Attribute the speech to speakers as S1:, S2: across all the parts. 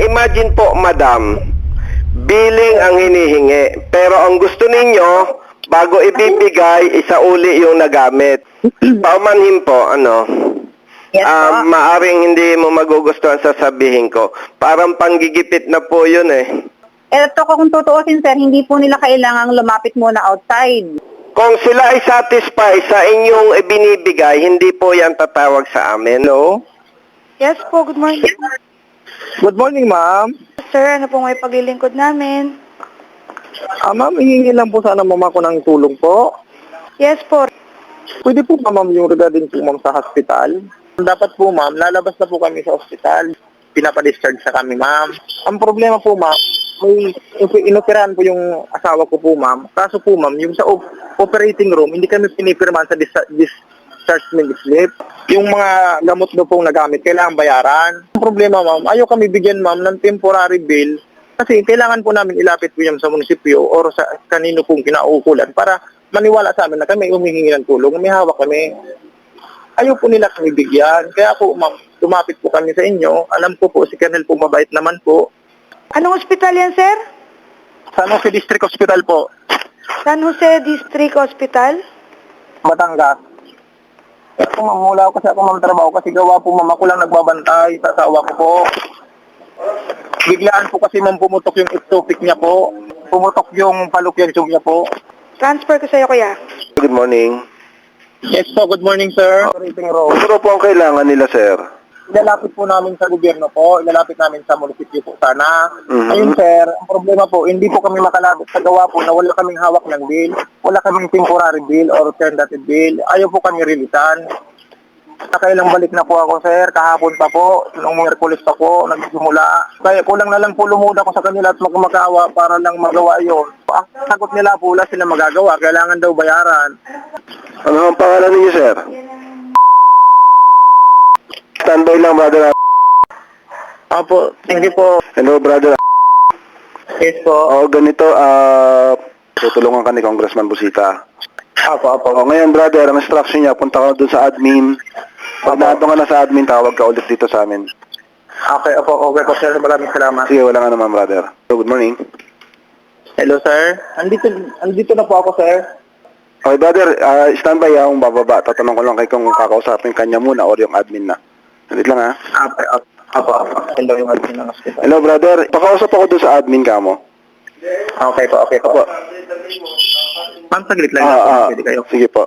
S1: Imagine po, madam, billing ang hinihingi. Pero ang gusto ninyo, bago ibibigay, isauli yung nagamit. Paumanhin po, ano?
S2: Yes po.
S1: Maaring hindi mo magugustuhan sa sabihin ko. Parang panggigipit na po yun eh.
S2: Ito kung tutuusin sir, hindi po nila kailangang lumapit muna outside.
S1: Kung sila ay satisfied sa inyong ibinibigay, hindi po yan tatawag sa amin. No?
S3: Yes po, good morning.
S4: Good morning, ma'am.
S3: Sir, ano po may paglilingkod namin?
S4: Ma'am, hihingi lang po sana ma'am ako ng tulong po.
S3: Yes po.
S4: Pwede po ba ma'am yung regarding po ma'am sa hospital? Dapat po ma'am, lalabas na po kami sa hospital. Pinapadischarge sa kami ma'am. Ang problema po ma'am, may inoperahan po yung asawa ko po ma'am. Kaso po ma'am, yung sa operating room, hindi kami pinipirmahan sa dischargement slip. Yung mga gamot na pong nagamit, kailangan bayaran. Ang problema ma'am, ayaw kami bigyan ma'am ng temporary bill kasi kailangan po namin ilapit po yan sa munisipyo or sa kanino pong kinaukulan para maniwala sa amin na kami humihingi ng tulong, may hawak kami. Ayaw po nila kami bigyan. Kaya po ma'am, lumapit po kami sa inyo. Alam ko po, si Colonel po mabait naman po.
S3: Anong ospital yan, sir?
S4: San Jose District Hospital po,
S3: San Jose District Hospital?
S4: Batangas. Kaya po ma'am, wala kasi ako ma'am trabaho kasi gawa po ma'am, ako lang nagbabantay sa asawa ko po. Biglaan po kasi ma'am pumutok yung ectopic niya po. Pumutok yung fallopian tube niya po.
S3: Transfer ko sa'yo, kuya.
S1: Good morning.
S4: Yes po, good morning sir. Operating room.
S1: Ano po ang kailangan nila, sir?
S4: Ilalapit po namin sa gobyerno po, ilalapit namin sa munisipyo po sana.
S1: Mhm.
S4: Ayun sir, ang problema po, hindi po kami makalapit sa gawa po na wala kaming hawak ng bill, wala kaming temporary bill or tentative bill, ayaw po kami rilitan. Nakailang balik na po ako sir, kahapon pa po, nung Miyerkules pa po, nagsimula. Kaya kulang na lang po lumuda ko sa kanila at magmakawa para lang magawa yun. Ang sagot nila po, wala sila magagawa, kailangan daw bayaran.
S1: Ano ang pangalan niyo, sir? Standby lang, brother.
S4: Opo, thank you po.
S1: Hello, brother.
S4: Yes po.
S1: O, ganito, tutulungan ka ni Congressman Busita.
S4: Opo.
S1: O, ngayon, brother, ang instruction niya, punta ka doon sa admin. Pag nato ka na sa admin, tawag ka ulit dito sa amin.
S4: Okay po sir, maraming salamat.
S1: Sige, wala nga naman, brother. So, good morning.
S4: Hello sir, andito na po ako sir.
S1: Okay, brother, standby akong bababa. Tatanong ko lang kay kung kakausapin kanya muna or yung admin na. Nandit lang, ha?
S4: Opo. Hello yung admin ng hospital.
S1: Hello, brother. Pakausap ako doon sa admin ka mo.
S4: Okay po.
S1: Opo.
S4: Ma'am, saglit lang. Pwede kayo.
S1: Sige po.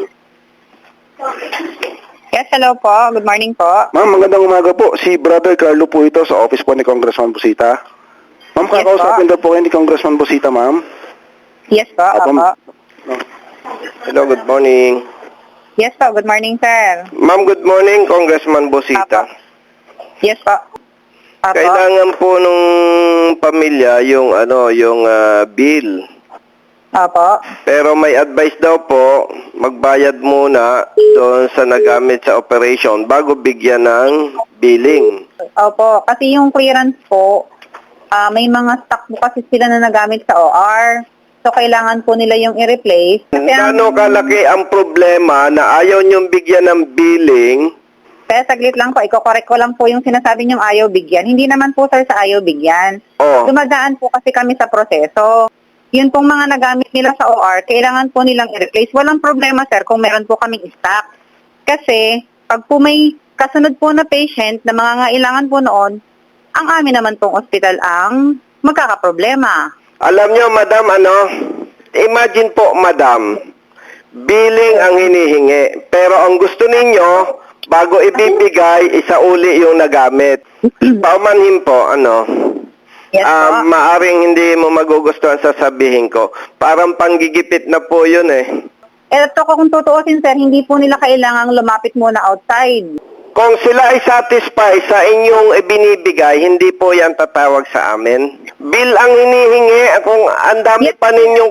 S2: Yes, hello po. Good morning po.
S1: Ma'am, magandang umaga po. Si Brother Carlo po ito sa office po ni Congressman Busita. Ma'am,
S2: Yes,
S1: kakausapin
S2: po.
S1: daw po kayo ni Congressman Busita, ma'am.
S2: Yes po, opo.
S1: Hello, good morning.
S2: Yes po, good morning sir.
S1: Ma'am, good morning, Congressman Busita.
S2: Apo. Yes po. Opo.
S1: Kailangan po nung pamilya yung bill.
S2: Opo.
S1: Pero may advice daw po, magbayad muna doon sa nagamit sa operation bago bigyan ng billing.
S2: Opo, kasi yung clearance po, may mga stock po kasi sila na nagamit sa OR. So, kailangan po nila yung i-replace. Kasi
S1: Gaano kalaki ang problema na ayaw niyong bigyan ng billing?
S2: Kaya saglit lang po, iko-correct ko lang po yung sinasabi niyong ayaw bigyan. Hindi naman po sir sa ayaw bigyan.
S1: Oh.
S2: Dumadaan po kasi kami sa proseso. Yun pong mga nagamit nila sa OR, kailangan po nilang i-replace. Walang problema sir kung meron po kaming stock. Kasi pag po may kasunod po na patient na mga ngailangan po noon, ang amin naman pong ospital ang magkakaproblema.
S1: Alam niyo, madam, imagine po, madam, billing ang hinihingi. Pero ang gusto ninyo, bago ibibigay, isauli yung nagamit. Paumanhin po,
S2: Yes po.
S1: maaring hindi mo magugustuhan sa sabihin ko. Parang panggigipit na po yun eh.
S2: Ito kung tutuusin sir, hindi po nila kailangang lumapit muna outside.
S1: Kung sila ay satisfied sa inyong ibinibigay, hindi po yan tatawag sa amin. Bill ang hinihingi, kung ang dami
S2: Yes,
S1: pa ninyong...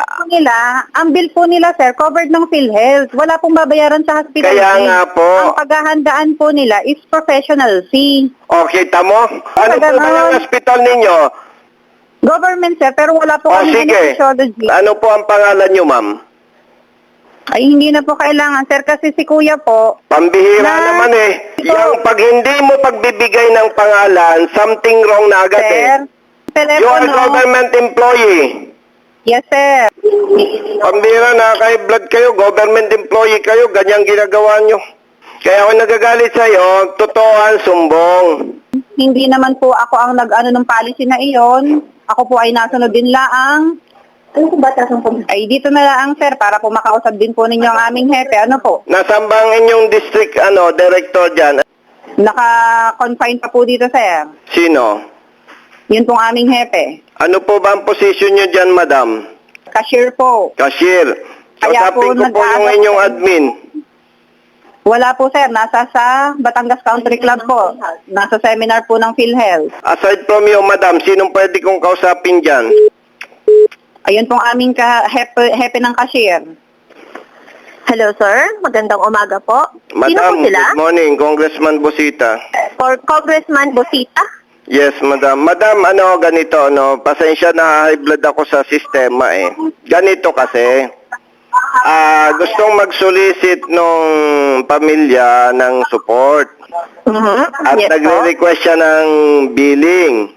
S2: ang bill po nila sir, covered ng PhilHealth. Wala pong babayaran sa hospital
S1: Kaya
S2: fee.
S1: nga po.
S2: Ang paghahandaan po nila is professional fee.
S1: Okay, tamo? Ano po ba
S2: ganon.
S1: yung hospital ninyo?
S2: Government sir, pero wala po kami
S1: Sige.
S2: anesthesiology.
S1: Ano po ang pangalan nyo, ma'am?
S2: Ay, hindi na po kailangan sir kasi si kuya po,
S1: Pambihira
S2: Na-
S1: naman eh. Yung pag hindi mo pagbibigay ng pangalan, something wrong na agad eh.
S2: Sir,
S1: You are
S2: telepono.
S1: government employee.
S2: Yes, sir.
S1: Pambira na kay blood kayo, government employee kayo, ganyang ginagawa nyo. Kaya ako nagagalit sa'yo, totoo ang sumbong.
S2: Hindi naman po ako ang nag-ano ng policy na iyon. Ako po ay nasunod din laang. Ano po ba ay dito na lang, sir, para po makausap din po ninyo ang aming hepe. Ano po?
S1: Nasaan ba ang inyong district director dyan?
S2: Naka-confine pa po dito, sir.
S1: Sino?
S2: Yun pong aming hepe.
S1: Ano po ba ang posisyon nyo dyan, madam?
S2: Cashier po.
S1: Cashier.
S2: Kaya po
S1: Kausapin ko po yung
S2: nag-aano
S1: inyong
S2: po.
S1: admin.
S2: Wala po, sir. Nasa sa Batangas Country Club po. Nasa seminar po ng PhilHealth.
S1: Aside from you, madam, sinong pwede kong kausapin dyan?
S2: Ayun pong aming hepe ng cashier.
S5: Hello, sir. Magandang umaga po. Sino po
S1: Madam,
S5: sila?
S1: good morning, Congressman Busita.
S5: For Congressman Bosita?
S1: Yes, madam. Madam, ganito, pasensya na high blood ako sa sistema eh. Ganito kasi, gustong mag-solicit nung pamilya ng support. At
S5: Yes po.
S1: nagre-request siya ng billing.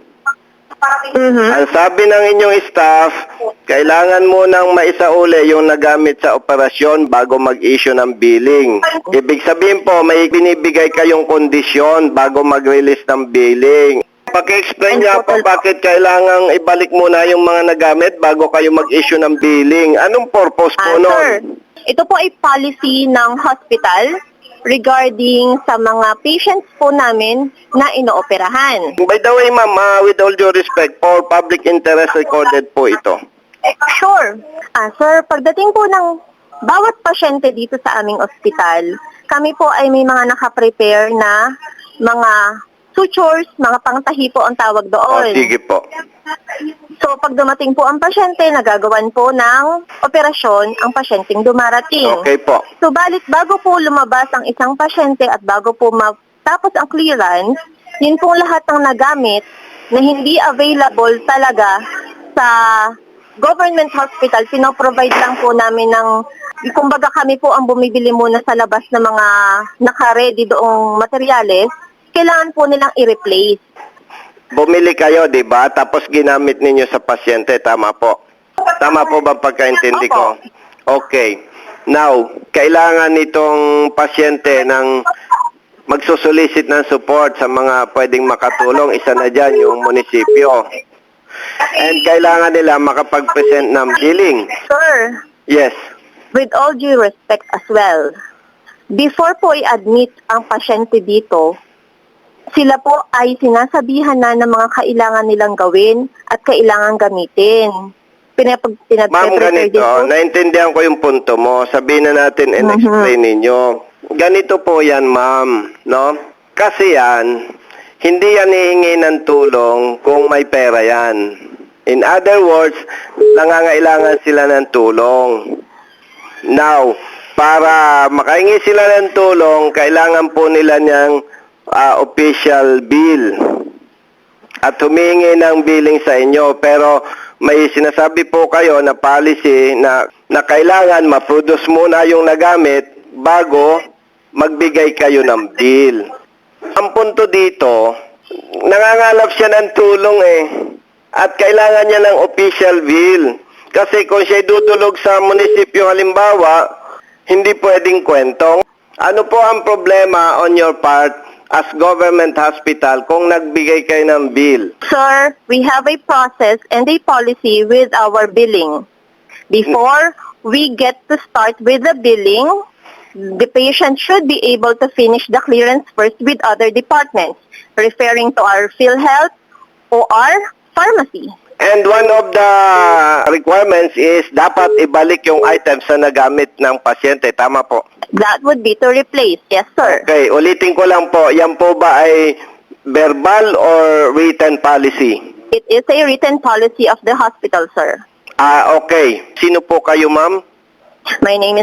S1: Ang sabi ng inyong staff, kailangan mo nang maisauli yung nagamit sa operasyon bago mag-issue ng billing. Ibig sabihin po, may binibigay kayong kondisyon bago mag-release ng billing. Paki-explain niya po bakit kailangang ibalik muna yung mga nagamit bago kayo mag-issue ng billing. Anong purpose po
S5: Sir,
S1: nun?
S5: ito po ay policy ng hospital regarding sa mga patients po namin na inooperahan.
S1: By the way, ma'am, with all due respect, for public interest recorded po ito.
S5: Sure. Sir, pagdating po ng bawat pasyente dito sa aming ospital, kami po ay may mga nakaprepare na mga sutures, mga pangtahi po ang tawag doon.
S1: Sige po.
S5: So, pag dumating po ang pasyente, nagagawan po ng operasyon ang pasyenteng dumarating.
S1: Okay po.
S5: Subalit, bago po lumabas ang isang pasyente at bago po matapos ang clearance, yun pong lahat ng nagamit na hindi available talaga sa government hospital, pinoprovide lang po namin ng, kumbaga kami po ang bumibili muna sa labas ng mga naka-ready doong materyales, kailangan po nilang i-replace.
S1: Bumili kayo, di ba? Tapos ginamit ninyo sa pasyente, tama po. Tama po ba pagkaintindi ko? Okay. Now, kailangan nitong pasyente ng magsusolicit ng support sa mga pwedeng makatulong. Isa na dyan, yung munisipyo. And kailangan nila makapag-present ng billing.
S5: Sir,
S1: Yes.
S5: with all due respect as well, before po i-admit ang pasyente dito, sila po ay sinasabihan na ng mga kailangan nilang gawin at kailangan gamitin.
S1: Ma'am, ganito, naintindihan ko yung punto mo. Sabihin na natin and explain ninyo. Ganito po yan, ma'am, no? Kasi yan, hindi yan hihingi ng tulong kung may pera yan. In other words, nangangailangan sila ng tulong. Now, para makahingi sila ng tulong, kailangan po nila niyang official bill at humingi ng billing sa inyo. Pero may sinasabi po kayo na policy na kailangan ma-produce muna yung nagamit bago magbigay kayo ng bill. Ang punto dito, nangangalap siya ng tulong eh. At kailangan niya ng official bill. Kasi kung siya dudulog sa munisipyo halimbawa, hindi pwedeng kwentong. Ano po ang problema on your part as government hospital kung nagbigay kayo ng bill?
S5: Sir, we have a process and a policy with our billing. Before we get to start with the billing, the patient should be able to finish the clearance first with other departments, referring to our PhilHealth or our pharmacy.
S1: And one of the requirements is dapat ibalik yung items na nagamit ng pasyente. Tama po.
S5: That would be to replace. Yes, sir.
S1: Okay, ulitin ko lang po. Yan po ba ay verbal or written policy?
S5: It is a written policy of the hospital, sir.
S1: Okay. Sino po kayo, ma'am?
S5: My name is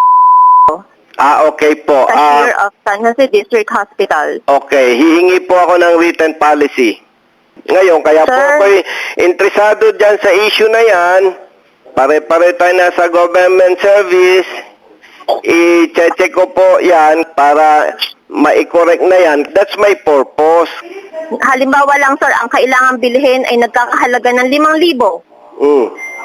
S1: Okay po.
S5: Cashier of San Jose District Hospital.
S1: Okay, hihingi po ako ng written policy. Ngayon, kaya po
S5: Sir?
S1: ako'y interesado dyan sa issue na yan. Pare-pare tayo na sa government service. I-check ko po yan para mai-correct na yan. That's my purpose.
S5: Halimbawa lang sir, ang kailangan bilhin ay nagkakahalaga ng 5,000.
S1: Mm.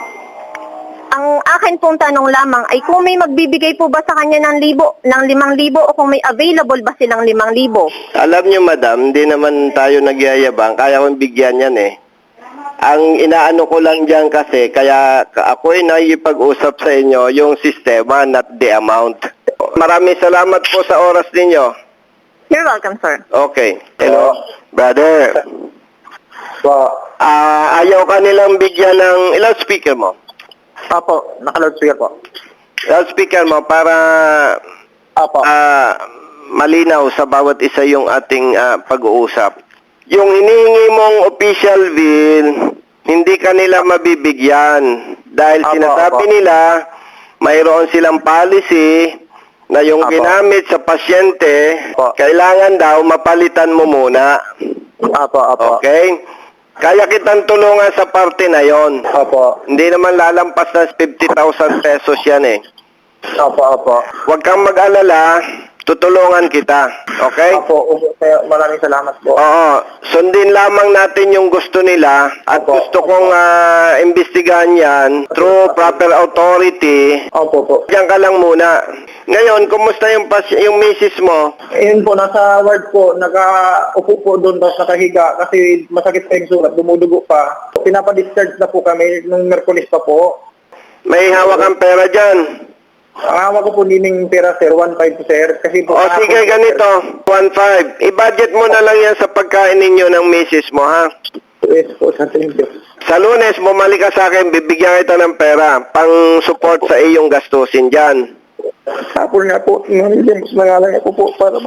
S5: Ang akin pong tanong lamang ay kung may magbibigay po ba sa kanya ng 5,000 o kung may available ba silang 5,000?
S1: Alam nyo, madam, hindi naman tayo nagyayabang. Kaya kong bigyan yan eh. Ang inaano ko lang dyan kasi, kaya ako ay naipag-usap sa inyo yung sistema, not the amount. Maraming salamat po sa oras ninyo.
S5: You're welcome, sir.
S1: Okay. Hello, brother.
S4: Po.
S1: Ayaw ka nilang bigyan ng... Ilang speaker mo?
S4: Apo, naka-loudspeaker po.
S1: Ilang speaker mo para
S4: Apo.
S1: malinaw sa bawat isa yung ating pag-uusap. Yung hinihingi mong official bill, hindi ka nila mabibigyan. Dahil
S4: Apo,
S1: sinasabi
S4: apo.
S1: nila, mayroon silang policy na yung
S4: Apo.
S1: ginamit sa pasyente,
S4: Apo.
S1: kailangan daw mapalitan mo muna.
S4: Apo.
S1: Okay? Kaya kitang tulungan sa parte na yon.
S4: Opo.
S1: Hindi naman lalampas na 50,000 pesos yan eh.
S4: Opo.
S1: Huwag kang mag-alala, tutulungan kita. Okay?
S4: Opo, kaya maraming salamat po.
S1: Oo. Sundin lamang natin yung gusto nila at
S4: Opo.
S1: gusto kong imbestigahan yan through proper authority.
S4: Opo po.
S1: Diyan ka lang muna. Ngayon, kumusta yung misis mo?
S4: Ayun po, nasa ward po, nakaupo po doon, tapos nakahiga kasi masakit pa yung sulat, dumudugo pa. Pinapadischarge na po kami nung Merkulis pa po.
S1: May hawak kang pera dyan.
S4: Ang hawak ko po nining pera, sir, 1.5 sir. Kasi po,
S1: O sige, ganito, 1.5. I-budget mo na lang yan sa pagkain ninyo ng misis mo, ha?
S4: Yes po, sir, thank you.
S1: Sa Lunes, bumalik ka sa akin, bibigyan kita ng pera pang support sa iyong gastusin dyan.
S4: Hapon nga po, mas nangalang ako po para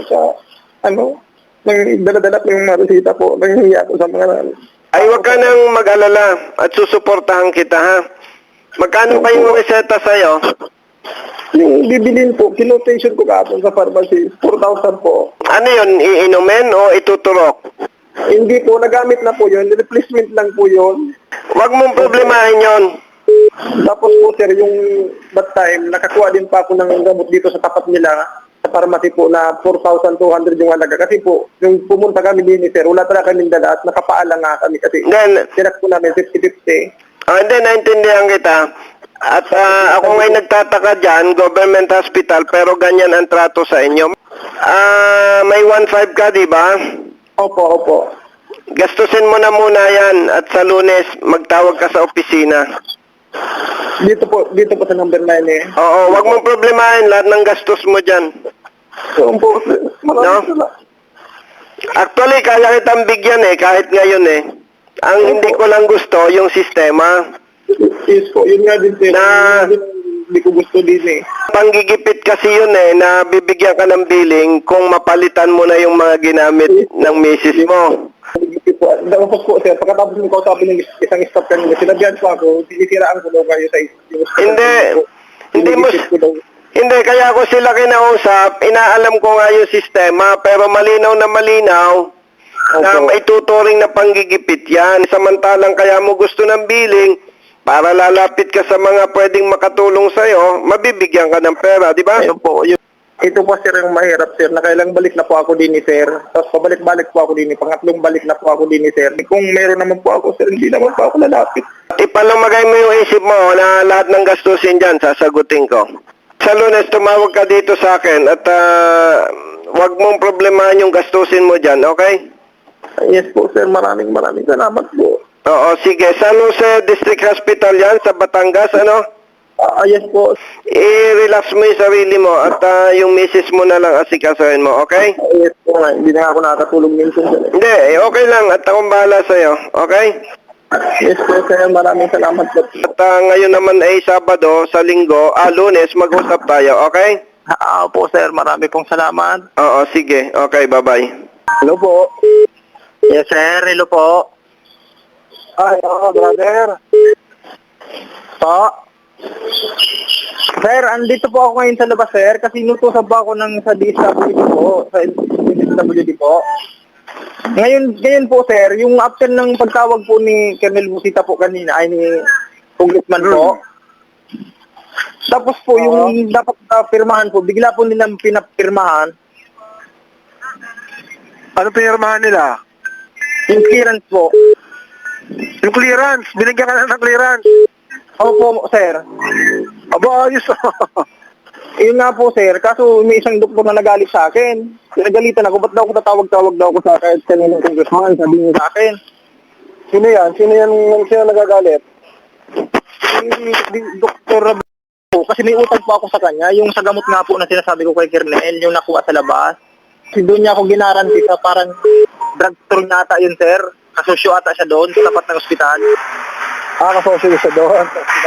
S4: dala-dala po yung mga resita po, nangyayari ako sa mga
S1: Ay, wag ka nang mag-alala at susuportahan kita, ha? Magkano pa yung reseta sa'yo?
S4: Yung bibilin po, kinotation ko kapon sa pharmacy, 4,000 po.
S1: Ano yun, iinumin o ituturok?
S4: Hindi po, nagamit na po yun, replacement lang po yun.
S1: Wag mong problemahin yon.
S4: Tapos po sir, yung that time, nakakuha din pa ako ng gamot dito sa tapat nila, sa pharmacy po na 4,200 yung halaga. Kasi po, yung pumunta kami din sir, wala talaga kaming dala at nakapaalang nga kami kasi
S1: Then,
S4: tinak po namin 50-50.
S1: hindi, naintindihan kita. At ako ngay nagtataka dyan, government hospital, pero ganyan ang trato sa inyo. May 1.5 ka, di ba?
S4: Opo.
S1: Gastusin mo na muna yan at sa Lunes, magtawag ka sa opisina.
S4: Dito po sa number 9 eh.
S1: Oo, wag mong problemahin lahat ng gastos mo dyan.
S4: So po, sir, maraming
S1: No?
S4: salamat.
S1: Actually, kaya kitang bigyan eh, kahit ngayon eh. Ang hindi ko lang gusto, yung sistema.
S4: Yes po, yun nga din sir.
S1: Na-
S4: Hindi ko gusto din eh.
S1: Panggigipit kasi yun eh, na bibigyan ka ng billing kung mapalitan mo na yung mga ginamit ng misis mo.
S4: Tapos po sir, pagkatapos mo kausapin ng isang staff kanina, sinabihan po ako, sinisiraan ko daw kayo sa
S1: Hindi, kaya ako sila kinausap, inaalam ko nga yung sistema, pero malinaw na maituturing na panggigipit yan. Samantalang kaya mo gusto ng billing, para lalapit ka sa mga pwedeng makatulong sa'yo, mabibigyan ka ng pera, di ba?
S4: Ayun po, yun. Ito po sir yung mahirap sir, na kailang balik na po ako din ni sir. Tapos pabalik-balik po ako din ni, pangatlong balik na po ako din ni sir. Kung meron naman po ako sir, hindi naman po ako lalapit.
S1: Ipalamagay mo yung isip mo na lahat ng gastusin dyan, sasagutin ko. Sa Lunes, tumawag ka dito sa akin at wag mong problemahan yung gastusin mo dyan, okay?
S4: Yes po sir, maraming salamat po.
S1: Oo, sige. San Jose District Hospital yan, sa Batangas, ano?
S4: Yes po.
S1: I-relax mo yung sarili mo at yung misis mo na lang asikasuhin mo, okay?
S4: Yes po nga, hindi na ako nakatulog minsan sir.
S1: Hindi, okay lang at akong bahala sa'yo, okay?
S4: Yes po sir, maraming salamat po.
S1: At ngayon naman ay Sabado, sa Linggo, Lunes, mag-usap tayo, okay?
S4: Po sir, marami pong salamat.
S1: Oo, sige. Okay, bye-bye.
S4: Hello po. Yes sir, hello po. Ay, brother. Po. Sir, andito po ako ngayon sa labas, sir, kasi inutusan po ako sa DSWD po, sa DSWD po. Ngayon po, sir, yung after ng pagtawag po ni Colonel Busita po kanina, ay ni Congressman po. Tapos po, yung dapat pirmahan po, bigla po nilang pinapirmahan.
S6: Ano pinirmahan nila?
S4: Yung clearance po.
S6: Yung clearance. Binigyan ka na ng clearance.
S4: Opo, sir.
S6: Aba, ayos.
S4: Yun nga po, sir. Kaso may isang doktor na nagalit sa akin. Nagalitan ako. Ba't daw ako tatawag-tawag daw ako sa kahit kaninong congressman? Sabi niya sa akin.
S6: Sino yan? Sino nagagalit?
S4: Si Dr. po, kasi may utang po ako sa kanya. Yung sa gamot nga po na sinasabi ko kay Kernel, yung nakuha sa labas. Kasi doon niya ako ginaranti sa parang drugstore na ata yun, sir. Kasosyo ata siya doon, sa tapat ng ospital.
S6: Kasosyo siya doon.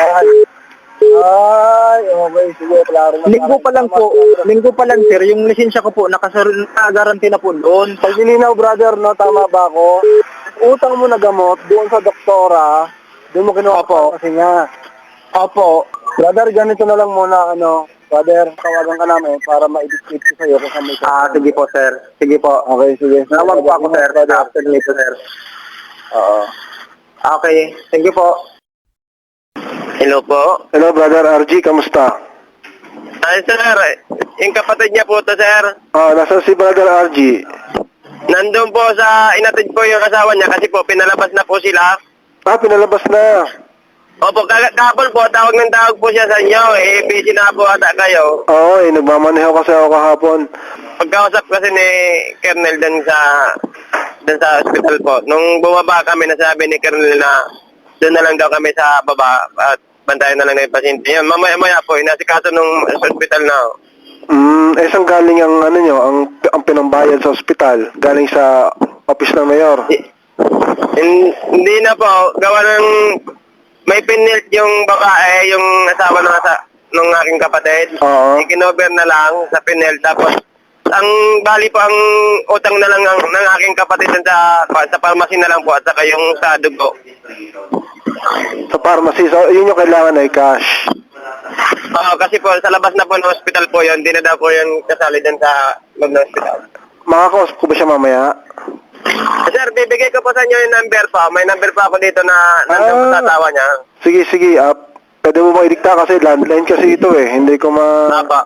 S6: Ay, okay. Sige, klaro na.
S4: Linggo pa lang, sir. Yung lisensya ko po, nakagaranti na po doon.
S6: Pag nilinaw, brother, no, tama ba ako? Utang mo na gamot doon sa doktora, doon mo kinuha po kasi nga.
S4: Opo.
S6: Brother, ganito na lang muna, brother, tawagan ka namin para ma-edit ko sa'yo kung saan may
S4: Sige po, sir. Sige po.
S6: Okay, sige.
S4: Nawag po ako, sir. After nito, sir.
S6: Oo.
S4: Okay. Thank you po.
S1: Hello po.
S6: Hello, brother RG, kamusta?
S1: Ay, sir. Yung kapatid niya po to, sir.
S6: Nasa si brother RG?
S1: Nandun po sa inatid po yung asawa niya kasi po pinalabas na po sila.
S6: Pinalabas na.
S1: Opo, kahapon po, tawag ng tawag po siya sa inyo. Busy na po ata kayo.
S6: Oo, nagmamaneho kasi ako kahapon.
S1: Pagkausap kasi ni Kernel dun sa hospital po. Nung bumaba kami, nasabi ni Kernel na doon na lang daw kami sa baba at bantayan na lang ng pasyente. Yun, mamaya po, inasikaso nung hospital na.
S6: Saan galing ang ang pinambayad sa ospital? Galing sa office ng mayor?
S1: Hindi na po, gawa ng may pinilt yung babae, yung asawa ng aking kapatid.
S6: Oo.
S1: Ikinover na lang sa pinel. Tapos, ang bali po ang utang na lang ng aking kapatid sa pharmacy na lang po at saka yung sa dugo.
S6: Sa pharmacy. So, yun yung kailangan ay cash.
S1: Oo, kasi po sa labas na po ng hospital po yun, hindi na daw po yun kasali din sa loob ng hospital.
S6: Makakausap ko ba siya mamaya?
S1: Sir, bibigay ko po sa inyo yung number pa. May number pa ako dito na nandun po sa tawa niya.
S6: Sige. Pwede mo ba idikta kasi landline kasi ito eh. Hindi ko
S1: Apa.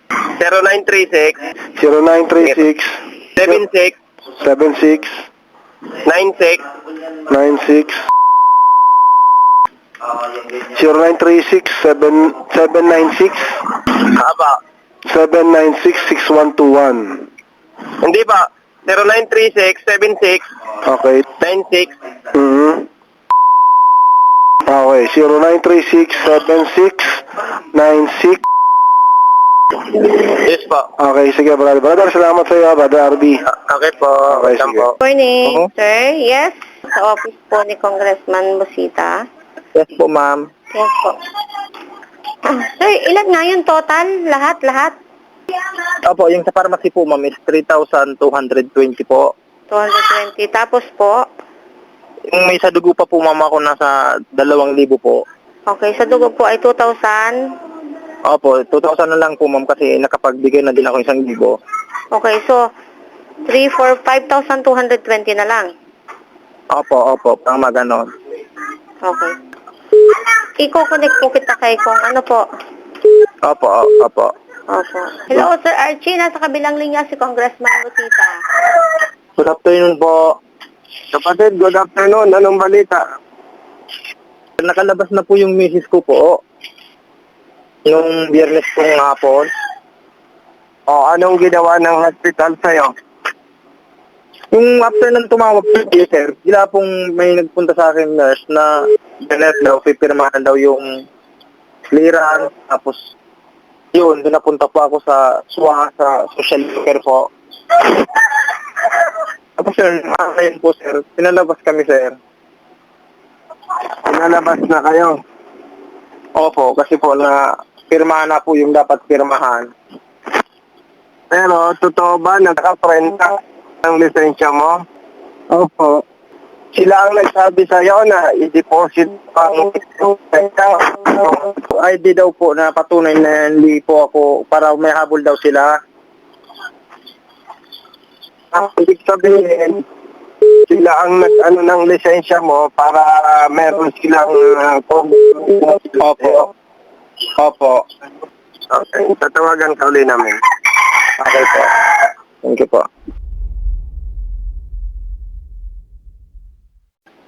S1: 0936
S6: 0936
S1: 76
S6: 76
S1: 96
S6: 96 0936 796
S1: Apa.
S6: 796 6121.
S1: Hindi pa. 0936 76
S6: Okay.
S1: 96
S6: Okay, 0936 76 96.
S1: Yes po.
S6: Okay, sige brother. Brother, salamat sa iyo, brother RB.
S1: Okay po.
S6: Okay,
S1: Welcome
S6: sige.
S1: po.
S2: Morning,
S6: Oo.
S2: sir. Yes, sa office po ni Congressman Busita.
S4: Yes po, ma'am.
S2: Yes po. Sir, ilan nga yun total? Lahat?
S4: Opo, yung sa pharmacy po, ma'am, is 3,220 po.
S2: 220. Tapos po,
S4: Yung may sa dugo pa po, ma'am, ako nasa 2,000 po.
S2: okay, sa dugo po ay 2,000.
S4: Opo, 2,000 na lang po, ma'am, kasi nakapagbigay na din ako 1,000.
S2: Okay, so 5,220 na lang.
S4: Opo, pang maganon.
S2: Okay. Iko-connect po kita kay kung ano po.
S4: Opo.
S2: Opo. Hello, Sir Archie. Nasa kabilang linya si Congressman Busita.
S4: Good afternoon po.
S6: Kapatid, good afternoon. Anong balita?
S4: Nakalabas na po yung misis ko po. Yung biyernes pong hapon.
S6: Anong ginawa ng hospital sa'yo?
S4: Yung after nang tumawag po, sir, sila pong may nagpunta sa akin nurse na nurse daw, pipirmahan daw yung clearance. Tapos, yun, doon napunta po ako sa SWA, sa social worker po. Tapos, sir, ngayon po, sir, pinalabas kami, sir.
S6: Pinalabas na kayo.
S4: Opo, kasi po na pirmahan na po yung dapat pirmahan.
S6: Pero, totoo ba, nagka-print ka ng lisensya mo?
S4: Opo.
S6: Sila ang nagsabi sa'yo na i-deposit ang lisensya.
S4: ID daw po na patunay na hindi po ako, para may habol daw sila.
S6: Ibig sabihin, sila ang nag-ano ng lisensya mo para meron silang
S4: Opo.
S6: Okay, tatawagan ka uli namin.
S4: Okay po. Thank you po.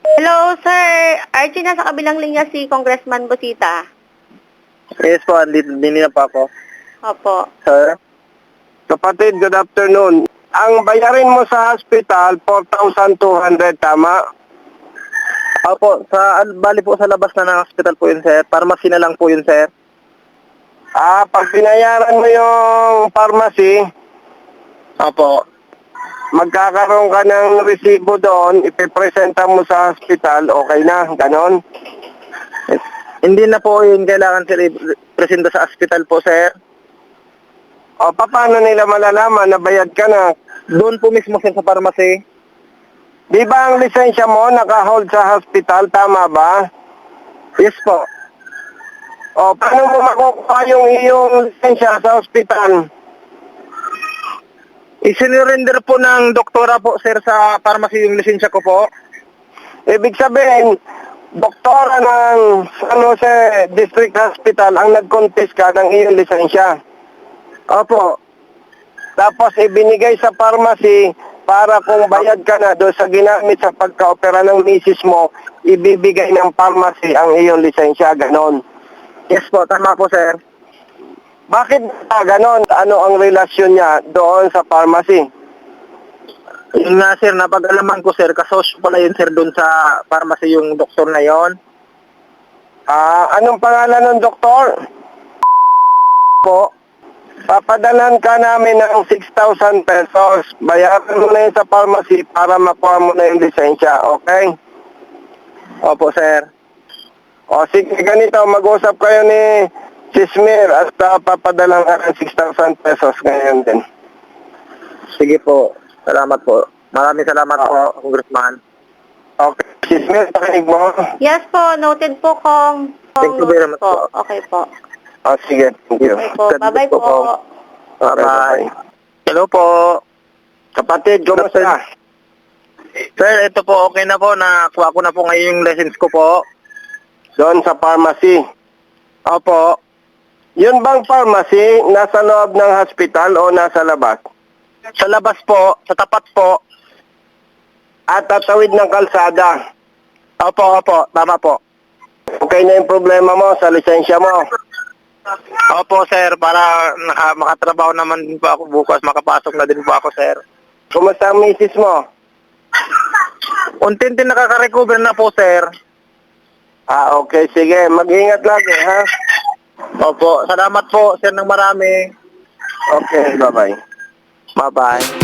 S5: Hello, sir. Archie, nasa kabilang linya si Congressman Busita.
S4: Yes po, andito din na po ako.
S5: Opo.
S4: Sir?
S1: Kapatid, good afternoon. Ang bayarin mo sa hospital, 4,200, tama?
S4: Opo, bali po sa labas na ng hospital po yun, sir. Pharmacy na lang po yun, sir.
S1: Pag binayaran mo yung pharmacy,
S4: Opo.
S1: magkakaroon ka ng resibo doon, ipipresenta mo sa hospital, okay na, ganon?
S4: Hindi na po yun kailangan, sir, presenta sa hospital po, sir.
S1: O, paano nila malalaman na bayad ka na?
S4: Doon po mismo, sir, sa pharmacy.
S1: Di ba ang lisensya mo naka-hold sa hospital, tama ba?
S4: Yes po.
S1: O, paano mo makukuha yung iyong lisensya sa hospital?
S4: Isinurrender po ng doktora po, sir, sa pharmacy yung lisensya ko po.
S1: Ibig sabihin, doktora ng San Jose District Hospital ang nag-contest ka ng iyong lisensya.
S4: Opo.
S1: Tapos ibinigay sa pharmacy para kung bayad ka na doon sa ginamit sa pagka-opera ng misis mo, ibibigay ng pharmacy ang iyong lisensya, ganon.
S4: Yes po, tama po, sir.
S1: Bakit ganon? Ano ang relasyon niya doon sa pharmacy?
S4: Yun nga, sir, napag-alaman ko, sir, kasosyo pala yun, sir, doon sa pharmacy yung doktor na yon.
S1: Anong pangalan ng doktor?
S4: Po.
S1: Papadalan ka namin ng 6,000 pesos. Bayaran mo na yun sa pharmacy para makuha mo na yung lisensya, okay?
S4: Opo, sir.
S1: O sige, ganito, mag-usap kayo ni Sismir at papadalan ka ng 6,000 pesos ngayon din.
S4: Sige po. Salamat po. Maraming salamat po, Congressman.
S1: Okay, Sismir, pakinig mo?
S5: Yes po, noted po, Kong.
S4: Thank you very much po.
S5: Okay po.
S1: O sige, thank you.
S5: Okay po. Bye-bye po.
S4: Bye-bye. Hello po.
S1: Kapatid, kumusta?
S4: Sir, ito po, okay na po. Nakuha ko na po ngayon yung license ko po.
S1: Doon sa pharmacy.
S4: Opo.
S1: Yun bang pharmacy nasa loob ng hospital o nasa labas?
S4: Sa labas po, sa tapat po.
S1: At tatawid ng kalsada.
S4: Opo, opo. Tama po.
S1: Okay na yung problema mo sa lisensya mo.
S4: Opo, sir. Para makatrabaho naman din po ako bukas. Makapasok na din po ako, sir.
S1: Kumusta ang misis mo?
S4: Unti-unti nakaka-recover na po, sir.
S1: Okay, sige. Mag-ingat lagi, ha?
S4: Opo. Salamat po, sir, ng marami.
S1: Okay, bye-bye.
S4: Bye-bye.